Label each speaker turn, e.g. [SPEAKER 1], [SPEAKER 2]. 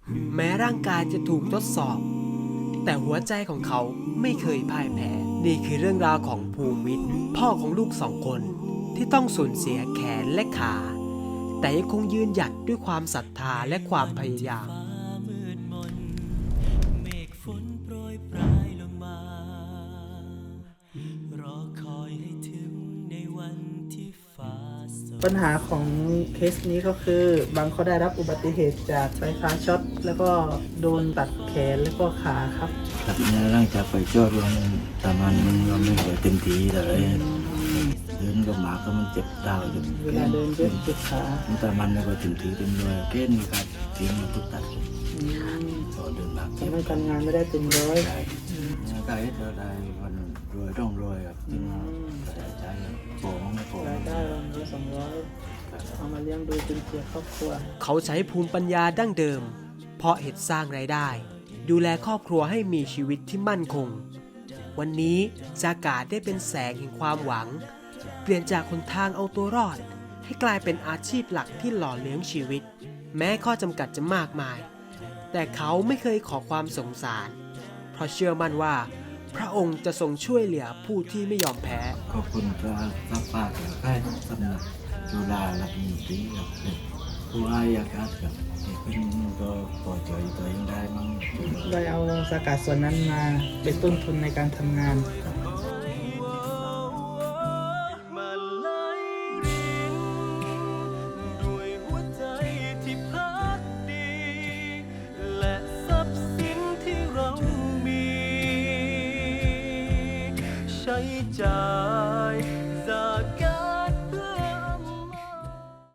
[SPEAKER 1] แม้ร่างกายจะถูกทดสอบ แต่หัวใจของเขาไม่เคยพ่ายแพ้นี่คือเรื่องราวของภูมิวิทย์พ่อของลูก2 คนที่ต้องสูญเสียแขนและขา แต่ยังคงยืนหยัดด้วยความศรัทธาและความพยายาม
[SPEAKER 2] เมฆฝนโปรยปลายลงมารอคอยให้ถึงในวันที่ฟ้าสด
[SPEAKER 3] ปัญหาของเคสนี้ก็คือบางเขาได้รับอุบัติเหตุจากไฟฟ้าช็อตแล้วก็โดนตัดแขนแล้วก็ขาครับ
[SPEAKER 4] ครับเนี่ยหลังจากไปจอดรวมตามันไม่ค่อยเต็มที่เลยเดินก็หมาก็มันเจ็บเท้าเจ็บ
[SPEAKER 3] เวลาเดินเจ็บขา
[SPEAKER 4] ตามันไม่ค่อยเต็มที่เต็มเลยแค่นี้ครับทิ้งมันทุกตัด
[SPEAKER 3] อืม
[SPEAKER 4] พอเดินมา
[SPEAKER 3] ทำให้การงานไม่ได้เต็มร้อย
[SPEAKER 4] ได้ก็ให้เราได้วันรวยต้องรวยครับที่มาใส่ใจโป่งไม่โป่ง
[SPEAKER 3] รายได้วันละ200เอามาเลี้ยงดูจุนเจือครอบครัว
[SPEAKER 1] เขาใช้ภูมิปัญญาดั้งเดิม เพาะเห็ดสร้างรายได้ ดูแลครอบครัวให้มีชีวิตที่มั่นคง วันนี้จากาศได้เป็นแสงแห่งความหวัง เปลี่ยนจากคนทางเอาตัวรอด ให้กลายเป็นอาชีพหลักที่หล่อเลี้ยงชีวิต แม้ข้อจำกัดจะมากมาย แต่เขาไม่เคยขอความสงสาร เพราะเชื่อมั่นว่า พระองค์จะทรงช่วยเหลือผู้ที่ไม่ยอมแพ้
[SPEAKER 4] ขอบคุณพระรับปากแล้วให้สำนักจุฬาลัตนตรีครับเป็นผู้ให้อากาศครับเป็นก็พอใจตัวเองได้มั้ง
[SPEAKER 3] ได้เอาสกัดส่วนนั้นมาเป็นต้นทุนในการทำงาน
[SPEAKER 4] ครับ